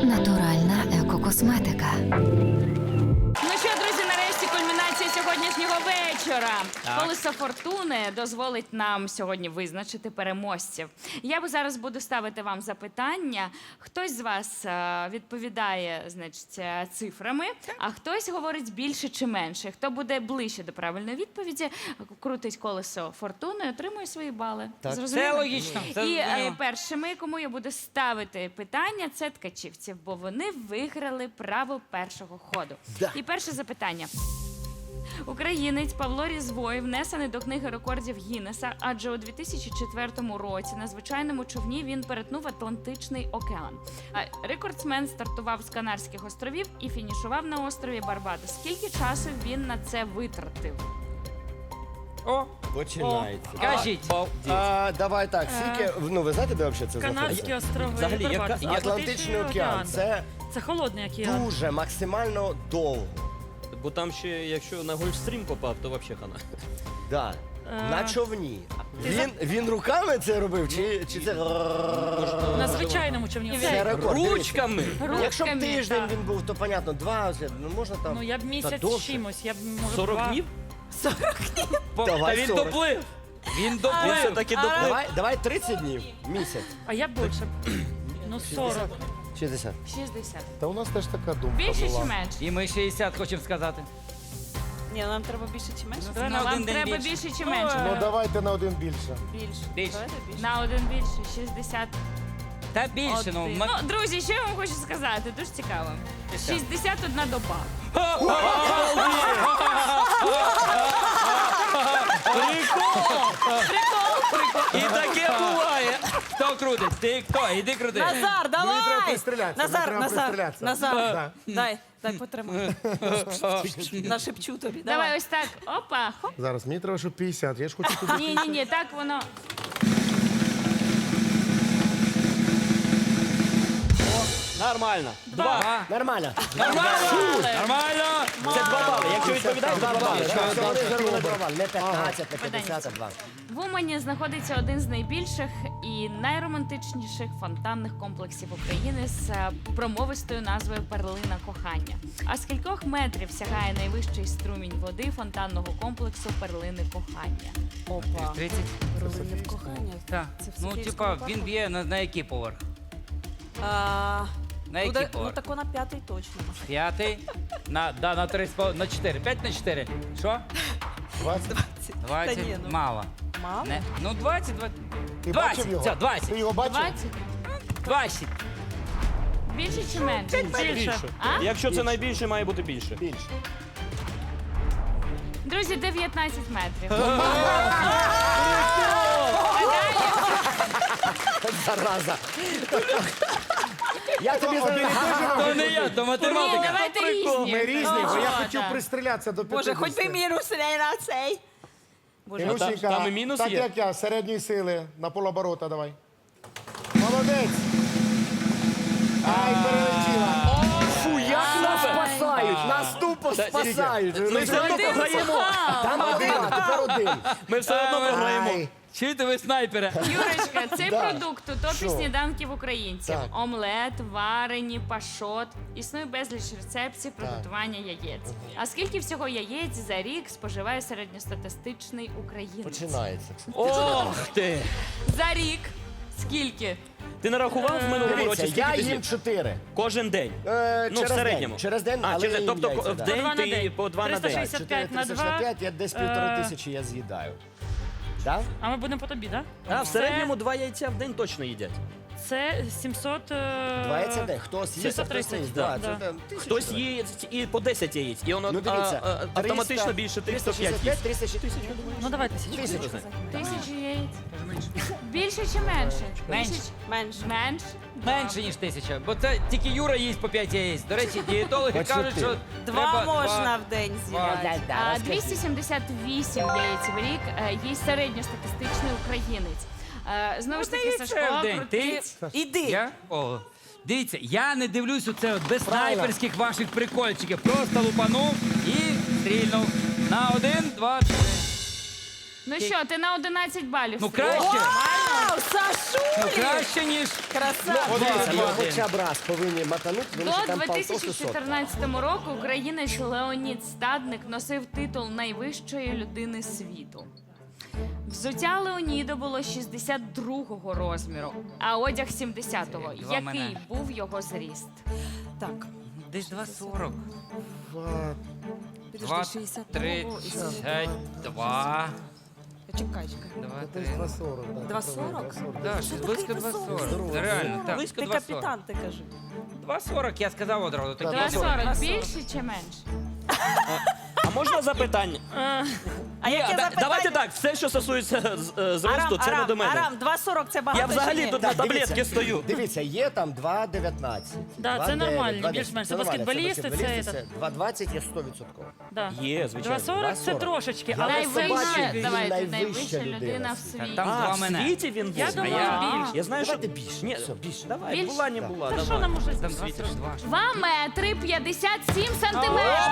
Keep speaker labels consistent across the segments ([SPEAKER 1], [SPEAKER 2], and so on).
[SPEAKER 1] Натуральна екокосметика.
[SPEAKER 2] Ну що, друзі, нарешті кульмінація сьогоднішнього вечора. Колесо фортуни дозволить нам сьогодні визначити переможців. Я зараз буду ставити вам запитання. Хтось з вас відповідає, значить, цифрами, а хтось говорить більше чи менше. Хто буде ближче до правильної відповіді, крутить колесо фортуни і отримує свої бали. Зрозуміло?
[SPEAKER 3] Це логічно.
[SPEAKER 2] І першими, кому я буду ставити питання, це ткачівці, бо вони виграли право першого ходу. І перше запитання. Українець Павло Різвой внесений до книги рекордів Гіннеса, адже у 2004 році на звичайному човні він перетнув Атлантичний океан. Рекордсмен стартував з Канарських островів і фінішував на острові Барбадос. Скільки часу він на це витратив?
[SPEAKER 3] О,
[SPEAKER 4] Починається.
[SPEAKER 3] кажіть.
[SPEAKER 4] Давай так, скільки, ну ви знаєте, де взагалі це
[SPEAKER 5] Канадські
[SPEAKER 4] знаходиться?
[SPEAKER 5] острови.
[SPEAKER 3] Взагалі,
[SPEAKER 5] Барбадос.
[SPEAKER 3] яка-
[SPEAKER 4] Атлантичний океан. Це
[SPEAKER 5] Це холодний океан.
[SPEAKER 4] дуже максимально довго.
[SPEAKER 6] Бо там ще, якщо на Гольфстрім попав, то взагалі хана.
[SPEAKER 4] Да. На човні. Він руками це робив, чи це...
[SPEAKER 5] На звичайному човні.
[SPEAKER 4] Це рекорд. дивіться.
[SPEAKER 6] Ручками!
[SPEAKER 4] Якщо б
[SPEAKER 2] Ручками,
[SPEAKER 4] тиждень
[SPEAKER 2] так.
[SPEAKER 4] він був, то понятно, 2, ну можна там...
[SPEAKER 5] Ну я б місяць
[SPEAKER 4] довше.
[SPEAKER 5] з чимось, я б може
[SPEAKER 6] 40
[SPEAKER 5] 2.
[SPEAKER 6] днів?
[SPEAKER 4] Давай
[SPEAKER 6] Та він
[SPEAKER 4] 40.
[SPEAKER 6] доплив! Він
[SPEAKER 4] Він
[SPEAKER 6] доплив!
[SPEAKER 4] все-таки доплив. Давай 30 днів, місяць.
[SPEAKER 5] А я б більше. Ну 40.
[SPEAKER 4] 60.
[SPEAKER 2] 60.
[SPEAKER 7] Та у нас теж така думка
[SPEAKER 2] Більше
[SPEAKER 7] була.
[SPEAKER 2] чи менше?
[SPEAKER 3] І ми 60 хочемо сказати.
[SPEAKER 8] Ні, нам треба більше чи менше?
[SPEAKER 3] Давай
[SPEAKER 2] Ну,
[SPEAKER 3] на
[SPEAKER 2] вам
[SPEAKER 3] один день
[SPEAKER 2] треба
[SPEAKER 3] більше.
[SPEAKER 2] більше чи менше?
[SPEAKER 7] Ну давайте на один більше.
[SPEAKER 8] Більше.
[SPEAKER 3] Більше.
[SPEAKER 8] Давайте більше.
[SPEAKER 2] На один більше, 60.
[SPEAKER 3] Та більше, ну.
[SPEAKER 2] Ну, друзі, що я вам хочу сказати? Дуже цікаво. 61 доба.
[SPEAKER 6] І таке буває!
[SPEAKER 3] Хто крутить? Ти хто? Іди крути.
[SPEAKER 8] Назар,
[SPEAKER 7] Мені треба
[SPEAKER 8] давай!
[SPEAKER 7] пристрілятися.
[SPEAKER 8] Назар,
[SPEAKER 7] мені треба пристрілятися.
[SPEAKER 8] Назар.
[SPEAKER 7] Да.
[SPEAKER 8] Дай потримай. Нашепчу тобі.
[SPEAKER 2] Давай ось так. Опа. Хоп.
[SPEAKER 7] Зараз, мені треба, щоб 50. Я ж хочу туди.
[SPEAKER 2] Ні, так воно.
[SPEAKER 6] Нормально.
[SPEAKER 3] Два.
[SPEAKER 4] Нормально.
[SPEAKER 3] Нормально!
[SPEAKER 6] Це 2 бали. Якщо відповідаєш, то 2 бали.
[SPEAKER 4] Якщо вони зробили провал, не 15, не 50, а 2.
[SPEAKER 2] В Умані знаходиться один з найбільших і найромантичніших фонтанних комплексів України з промовистою назвою «Перлина кохання». А з кількох метрів сягає найвищий струмінь води фонтанного комплексу «Перлини кохання»?
[SPEAKER 8] Опа.
[SPEAKER 3] 30.
[SPEAKER 8] Перлини в кохання.
[SPEAKER 3] Так.
[SPEAKER 8] Це в
[SPEAKER 3] Ну,
[SPEAKER 8] Софійському
[SPEAKER 3] типа,
[SPEAKER 8] парку?
[SPEAKER 3] він б'є на який поверх? На який
[SPEAKER 8] Ну
[SPEAKER 3] поверх?
[SPEAKER 8] тако на 5-й точно.
[SPEAKER 3] П'ятий. На 3, на 4. 5 на 4. Що?
[SPEAKER 7] 20.
[SPEAKER 3] 20.
[SPEAKER 8] Та ні, ну.
[SPEAKER 3] Мало.
[SPEAKER 8] Мало?
[SPEAKER 3] Не. Ну, 20.
[SPEAKER 7] Ти
[SPEAKER 3] 20.
[SPEAKER 7] бачив його?
[SPEAKER 3] Все, 20.
[SPEAKER 7] Ти його бачив?
[SPEAKER 2] 20?
[SPEAKER 3] 20.
[SPEAKER 2] Більше чи менше?
[SPEAKER 5] Більше.
[SPEAKER 2] А?
[SPEAKER 6] Якщо це найбільше, має бути більше.
[SPEAKER 4] Більше.
[SPEAKER 2] Друзі, 19 метрів.
[SPEAKER 4] Зараза. Я тобі зараз...
[SPEAKER 3] То не я, то
[SPEAKER 2] Ні,
[SPEAKER 3] математика.
[SPEAKER 2] давайте різні.
[SPEAKER 7] Ми різні, бо я
[SPEAKER 2] О,
[SPEAKER 7] хотів
[SPEAKER 2] так.
[SPEAKER 7] пристрілятися до 50.
[SPEAKER 8] Боже, хоч би мінус не на цей. Боже,
[SPEAKER 7] Ілюшенька,
[SPEAKER 6] там і мінус
[SPEAKER 7] так
[SPEAKER 6] є?
[SPEAKER 7] як я, середньої сили, на полоборота давай. Молодець. Ай, перелетіла.
[SPEAKER 4] Фу, як нас спасають, нас тупо спасають.
[SPEAKER 6] Ми все одно програємо.
[SPEAKER 4] Там один, а тепер один.
[SPEAKER 6] Ми все одно програємо.
[SPEAKER 4] Ай.
[SPEAKER 3] Чуєте ви снайпера?
[SPEAKER 2] Юрочка, цей
[SPEAKER 4] Да.
[SPEAKER 2] продукт у топі
[SPEAKER 4] Що?
[SPEAKER 2] сніданків українців.
[SPEAKER 4] Так.
[SPEAKER 2] Омлет, варені, пашот. Існує безліч рецептів приготування яєць. А скільки всього яєць за рік споживає середньостатистичний українець?
[SPEAKER 4] Починається.
[SPEAKER 6] Ох ти!
[SPEAKER 2] За рік скільки?
[SPEAKER 6] Ти не рахував в минулому
[SPEAKER 4] Дивіться,
[SPEAKER 6] році,
[SPEAKER 4] я
[SPEAKER 6] скільки ти
[SPEAKER 4] їм
[SPEAKER 6] з'їв?
[SPEAKER 4] 4.
[SPEAKER 6] Кожен день. Ну, в
[SPEAKER 4] Через
[SPEAKER 6] середньому.
[SPEAKER 4] день. Через день,
[SPEAKER 6] А,
[SPEAKER 4] але
[SPEAKER 6] через день.
[SPEAKER 4] я їм
[SPEAKER 6] Тобто
[SPEAKER 4] яйця,
[SPEAKER 6] в
[SPEAKER 4] да.
[SPEAKER 6] день
[SPEAKER 5] По 2 на
[SPEAKER 6] ти
[SPEAKER 5] день.
[SPEAKER 6] по 2 на день.
[SPEAKER 5] 365 на 2.
[SPEAKER 4] 4 я десь 1500 я з'їдаю. Так?
[SPEAKER 5] А ми будемо по тобі, так?
[SPEAKER 6] А в середньому 2 яйця в день точно їдять.
[SPEAKER 5] Це 700...
[SPEAKER 4] 2 яйця в день. Хто з'їсть, а хто
[SPEAKER 5] 730,
[SPEAKER 4] не їсть.
[SPEAKER 6] да.
[SPEAKER 4] Да, це там 1000
[SPEAKER 6] Хтось
[SPEAKER 4] гривень.
[SPEAKER 6] їсть і по 10 яєць, і воно
[SPEAKER 4] Ну дивіться,
[SPEAKER 6] автоматично більше 305 їсть.
[SPEAKER 4] 360.
[SPEAKER 5] Ну давай 1000.
[SPEAKER 2] Тисячі яєць? Більше чи менше?
[SPEAKER 3] Менше.
[SPEAKER 8] менше.
[SPEAKER 2] Менше?
[SPEAKER 3] Менше, ніж 1000. Бо це тільки Юра їсть по 5 яєць. До речі, дієтологи
[SPEAKER 4] Бачите.
[SPEAKER 3] кажуть, що
[SPEAKER 8] Два
[SPEAKER 3] треба
[SPEAKER 8] можна в день з'їдати.
[SPEAKER 2] 278 яєць в рік їсть середньостатистичний українець. Знову ж таки,
[SPEAKER 3] Яйце
[SPEAKER 2] Сашко,
[SPEAKER 3] в день.
[SPEAKER 2] крути-
[SPEAKER 3] Ти?
[SPEAKER 8] Іди.
[SPEAKER 3] Я? О. Дивіться, я не дивлюсь оце от без снайперських ваших прикольчиків. Просто лупанув і стрільнув. На 1, 2, 3.
[SPEAKER 2] Ну що, ти на 11 балів.
[SPEAKER 3] Ну
[SPEAKER 2] стріляєш.
[SPEAKER 3] краще.
[SPEAKER 8] Вау,
[SPEAKER 3] Ну,
[SPEAKER 8] Сашулі!
[SPEAKER 3] краще, ніж...
[SPEAKER 8] Красава!
[SPEAKER 4] Дивіться, ми
[SPEAKER 3] один.
[SPEAKER 4] хоча б раз повинні матанути, тому що
[SPEAKER 2] До
[SPEAKER 4] там полтос і сотка.
[SPEAKER 2] 2014 року українець Леонід Стадник носив титул найвищої людини світу. Взуття Леоніда було 62-го розміру, а одяг 70-го.
[SPEAKER 3] Як два
[SPEAKER 2] Який
[SPEAKER 3] мене.
[SPEAKER 2] був його зріст?
[SPEAKER 8] Так,
[SPEAKER 3] Десь 2,40.
[SPEAKER 8] підожди, 60.
[SPEAKER 3] 32.
[SPEAKER 8] Чекай, чекай.
[SPEAKER 3] 2, 3.
[SPEAKER 7] 2,40.
[SPEAKER 8] 2,40?
[SPEAKER 3] Да, щось близько 2,40. Це реально, так. Близько
[SPEAKER 8] Ти
[SPEAKER 3] 2,40.
[SPEAKER 8] капітан, ти кажи.
[SPEAKER 3] 2,40, я сказав одразу. Так,
[SPEAKER 2] 2,40 більше чи менше?
[SPEAKER 6] А можна запитання?
[SPEAKER 8] А яке запитання?
[SPEAKER 6] Давайте так, все, що стосується зросту, це не до мене.
[SPEAKER 8] Арам, 2,40 це багато
[SPEAKER 6] Я взагалі
[SPEAKER 8] чи ні?
[SPEAKER 6] тут на
[SPEAKER 4] Так,
[SPEAKER 6] таблетки
[SPEAKER 4] дивіться,
[SPEAKER 6] стою.
[SPEAKER 4] Дивіться, є там 2,19.
[SPEAKER 5] Да, це
[SPEAKER 4] 2,9,
[SPEAKER 5] нормально,
[SPEAKER 4] 2,10.
[SPEAKER 5] більш-менш. Це
[SPEAKER 4] нормально,
[SPEAKER 5] баскетболісти, це
[SPEAKER 4] баскетболісти, 2,20 є 100%.
[SPEAKER 5] Да.
[SPEAKER 6] Є, звичайно.
[SPEAKER 5] 2,40 це
[SPEAKER 4] 2,40.
[SPEAKER 5] трошечки,
[SPEAKER 4] Я
[SPEAKER 5] але
[SPEAKER 4] не
[SPEAKER 5] це
[SPEAKER 4] побачив,
[SPEAKER 2] Найвища,
[SPEAKER 4] він
[SPEAKER 2] давайте,
[SPEAKER 4] найвища
[SPEAKER 2] найвища
[SPEAKER 4] людина
[SPEAKER 2] людина в
[SPEAKER 4] в світі.
[SPEAKER 2] світі.
[SPEAKER 3] Там
[SPEAKER 6] А,
[SPEAKER 3] два
[SPEAKER 6] в
[SPEAKER 3] мене.
[SPEAKER 6] світі він був?
[SPEAKER 5] Я думала більше.
[SPEAKER 6] Я знаю,
[SPEAKER 4] Давайте
[SPEAKER 6] що...
[SPEAKER 4] більше.
[SPEAKER 6] Ні,
[SPEAKER 4] Все, більше.
[SPEAKER 6] давай,
[SPEAKER 2] Більше?
[SPEAKER 6] була, не була,
[SPEAKER 5] Та що
[SPEAKER 6] давай.
[SPEAKER 5] нам може
[SPEAKER 3] Там
[SPEAKER 5] світити?
[SPEAKER 3] 2,42.
[SPEAKER 2] 2 метри 57 сантиметрів.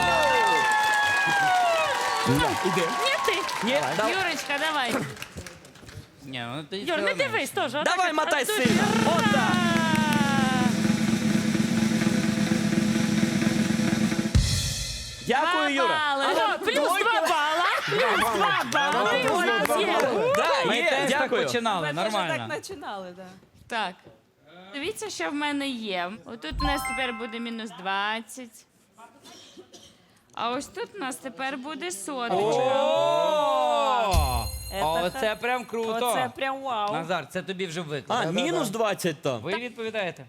[SPEAKER 6] Іде.
[SPEAKER 5] Ні, ти.
[SPEAKER 6] Ні, давай.
[SPEAKER 2] Юрочка, давай.
[SPEAKER 3] Ні, ну ти
[SPEAKER 5] Юр, не
[SPEAKER 3] сказала
[SPEAKER 5] дивись
[SPEAKER 3] менше.
[SPEAKER 5] теж. отак
[SPEAKER 6] Давай,
[SPEAKER 5] от,
[SPEAKER 6] мотай
[SPEAKER 5] от тут.
[SPEAKER 6] сильно. Отак. Дякую, Юра.
[SPEAKER 2] Ага,
[SPEAKER 5] Плюс 2 бала. Плюс 2 бали. У нас є.
[SPEAKER 6] Да,
[SPEAKER 3] Ми
[SPEAKER 6] є,
[SPEAKER 3] теж так
[SPEAKER 6] дякую.
[SPEAKER 2] Ми
[SPEAKER 3] починали,
[SPEAKER 2] теж
[SPEAKER 3] нормально.
[SPEAKER 8] Так починали, так.
[SPEAKER 2] Так. Дивіться, що в мене є. Отут у нас тепер буде мінус 20. А ось тут у нас тепер буде соточка.
[SPEAKER 3] О, це прям круто.
[SPEAKER 8] Оце прям вау.
[SPEAKER 3] Назар, це тобі вже виклик.
[SPEAKER 6] А, мінус 20 там.
[SPEAKER 3] Ви відповідаєте?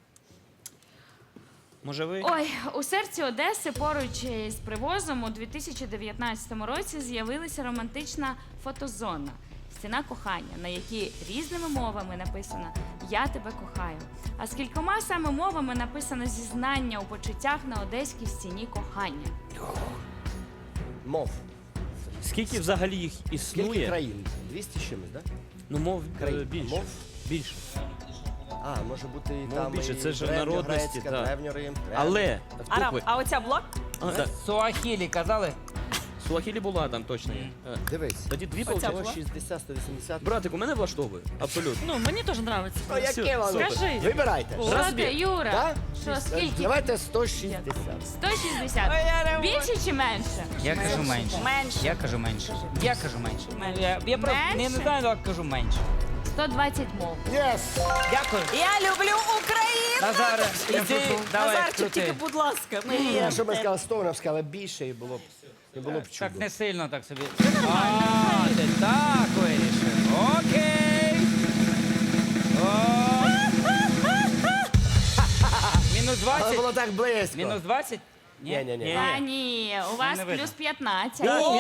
[SPEAKER 6] Може ви?
[SPEAKER 2] Ой, у серці Одеси поруч із привозом у 2019 році з'явилася романтична фотозона. Стіна кохання, на якій різними мовами написано «Я тебе кохаю». А з кількома саме мовами написано зізнання у почуттях на одеській стіні кохання.
[SPEAKER 4] Мов.
[SPEAKER 6] Скільки взагалі їх
[SPEAKER 4] Скільки
[SPEAKER 6] існує?
[SPEAKER 4] країн? 200 з чимось, так?
[SPEAKER 6] Ну, мов
[SPEAKER 4] Країн.
[SPEAKER 6] більше.
[SPEAKER 4] Мов?
[SPEAKER 6] Більше.
[SPEAKER 4] А, може бути і
[SPEAKER 6] Мов
[SPEAKER 4] там
[SPEAKER 6] більше,
[SPEAKER 4] і
[SPEAKER 6] це ж
[SPEAKER 4] древньогрецька,
[SPEAKER 6] народності, так.
[SPEAKER 4] древньорим,
[SPEAKER 6] Але,
[SPEAKER 8] Арам,
[SPEAKER 6] букви.
[SPEAKER 8] а оця блок?
[SPEAKER 3] Суахілі казали?
[SPEAKER 6] Суахілі була там точно.
[SPEAKER 4] Дивись.
[SPEAKER 6] Тоді дві
[SPEAKER 8] Оця
[SPEAKER 6] получать.
[SPEAKER 8] була?
[SPEAKER 4] 160, 180.
[SPEAKER 6] Братик, у мене влаштовує. Абсолютно.
[SPEAKER 5] Ну, мені теж подобається.
[SPEAKER 4] Ну, яке вам?
[SPEAKER 5] Скажи.
[SPEAKER 4] Вибирайте.
[SPEAKER 2] Що
[SPEAKER 6] Розбір.
[SPEAKER 2] ти, Юра?
[SPEAKER 4] Так?
[SPEAKER 2] Що, скільки?
[SPEAKER 4] Давайте 160.
[SPEAKER 2] 160. Більше чи менше?
[SPEAKER 3] Я кажу менше.
[SPEAKER 8] Менше.
[SPEAKER 3] Я кажу менше. Я кажу менше.
[SPEAKER 8] Менше.
[SPEAKER 3] Я просто не
[SPEAKER 2] Менше?
[SPEAKER 3] знаю, але кажу менше.
[SPEAKER 2] 120 мов.
[SPEAKER 7] Yes!
[SPEAKER 3] Дякую.
[SPEAKER 8] Я люблю Україну!
[SPEAKER 3] Назаре, іди, давай,
[SPEAKER 8] Назарчик, тільки,
[SPEAKER 3] крути.
[SPEAKER 8] будь ласка, ми
[SPEAKER 4] Якщо б я сказав 100, вона б сказала більше і було б
[SPEAKER 3] Так
[SPEAKER 4] чудо.
[SPEAKER 3] не сильно так собі. А, ти так вирішив. Окей. О. Мінус
[SPEAKER 4] Але
[SPEAKER 3] 20?
[SPEAKER 4] було так близько.
[SPEAKER 3] Мінус 20?
[SPEAKER 4] Ні.
[SPEAKER 2] Та ні, у вас
[SPEAKER 3] не видно.
[SPEAKER 2] плюс 15.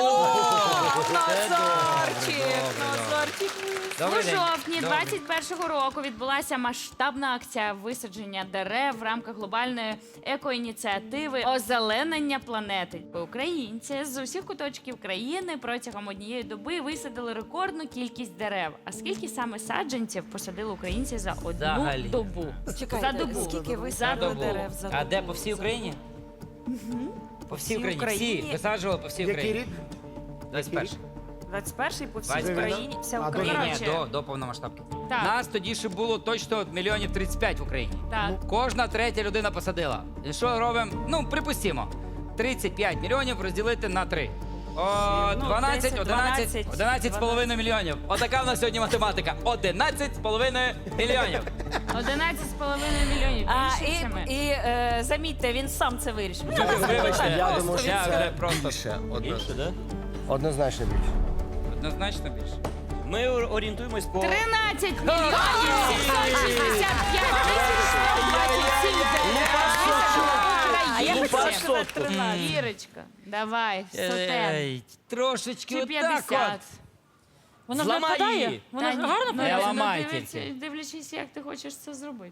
[SPEAKER 8] Назарчик.
[SPEAKER 2] У
[SPEAKER 3] Добрий день.
[SPEAKER 2] жовтні
[SPEAKER 3] Добрий.
[SPEAKER 2] 21-го року відбулася масштабна акція висадження дерев в рамках глобальної екоініціативи озеленення планети. Українці з усіх куточків країни протягом однієї доби висадили рекордну кількість дерев. А скільки саме саджанців посадили українці за одну
[SPEAKER 3] Взагалі.
[SPEAKER 2] добу?
[SPEAKER 8] Чекайте,
[SPEAKER 2] За добу.
[SPEAKER 8] скільки ви
[SPEAKER 2] За
[SPEAKER 8] садили
[SPEAKER 2] добу.
[SPEAKER 8] дерев за добу?
[SPEAKER 3] А де по всій Україні? По всій Україні.
[SPEAKER 8] Україні.
[SPEAKER 3] Всі висаджували по всій
[SPEAKER 7] Який
[SPEAKER 3] Україні.
[SPEAKER 7] рік?
[SPEAKER 3] 21.
[SPEAKER 8] 21-й по всій
[SPEAKER 3] 21-й.
[SPEAKER 8] Україні, вся
[SPEAKER 7] А,
[SPEAKER 8] Україна.
[SPEAKER 3] Ні,
[SPEAKER 2] Коротше.
[SPEAKER 3] до повномасштабки.
[SPEAKER 2] Так.
[SPEAKER 3] Нас тоді ще було точно мільйонів 35 в Україні.
[SPEAKER 2] Так.
[SPEAKER 3] Кожна третя людина посадила. І що робимо? Ну, припустимо. 35 мільйонів розділити на 3. О, 12,
[SPEAKER 8] 10,
[SPEAKER 3] 11, 11,5 мільйонів. Отака в нас сьогодні математика. 11,5 мільйонів.
[SPEAKER 2] 11,5 мільйонів.
[SPEAKER 8] А,
[SPEAKER 2] Більше чи менше?
[SPEAKER 8] замітьте, він сам це вирішив.
[SPEAKER 3] Вибачте,
[SPEAKER 4] Я думаю, що
[SPEAKER 3] я
[SPEAKER 4] це
[SPEAKER 3] вже просто
[SPEAKER 4] більше.
[SPEAKER 6] Більше, да?
[SPEAKER 4] Однозначно більше.
[SPEAKER 3] однозначно більше.
[SPEAKER 6] Ми орієнтуємось по...
[SPEAKER 2] 13 мільйонів 765 тисяч 127
[SPEAKER 8] А я
[SPEAKER 2] дерев.
[SPEAKER 8] хотіла сказати 13.
[SPEAKER 2] Ірочка, давай, сотен.
[SPEAKER 3] Ей, трошечки
[SPEAKER 2] Чи
[SPEAKER 3] отак
[SPEAKER 2] 50.
[SPEAKER 3] от.
[SPEAKER 5] Вона ж не
[SPEAKER 6] Зламай
[SPEAKER 5] впадає.
[SPEAKER 6] її.
[SPEAKER 5] Вона ж
[SPEAKER 2] Та ні,
[SPEAKER 5] гарно
[SPEAKER 2] ну,
[SPEAKER 3] Я
[SPEAKER 5] впадає.
[SPEAKER 3] ламаю
[SPEAKER 2] дивіться,
[SPEAKER 3] тільки.
[SPEAKER 2] дивлячись, як ти хочеш це зробити.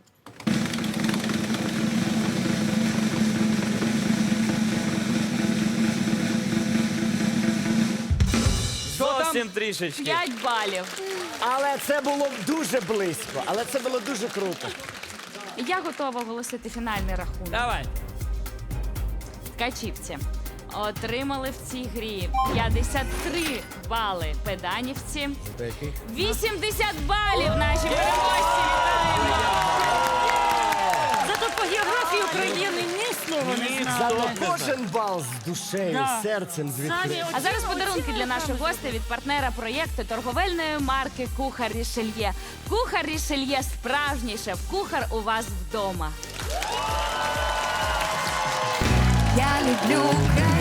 [SPEAKER 6] Зовсім трішечки.
[SPEAKER 2] 5 балів.
[SPEAKER 4] Але це було дуже близько. Але це було дуже круто.
[SPEAKER 2] Я готова оголосити фінальний рахунок.
[SPEAKER 3] Давай.
[SPEAKER 2] Ткачівці. отримали в цій грі 53 бали педанівці. 80 балів наші переможці. Вітаємо!
[SPEAKER 5] Зато по географії України ні слова не знали.
[SPEAKER 4] Кожен бал з душею,
[SPEAKER 5] Да.
[SPEAKER 4] серцем, звідки.
[SPEAKER 5] Самі
[SPEAKER 2] А зараз
[SPEAKER 5] оці-
[SPEAKER 2] подарунки
[SPEAKER 5] оці
[SPEAKER 2] для наших гостей від партнера проєкту торговельної марки Кухар Рішельє. Кухар Рішельє – справжній шеф-кухар у вас вдома.
[SPEAKER 1] Я люблю Україну.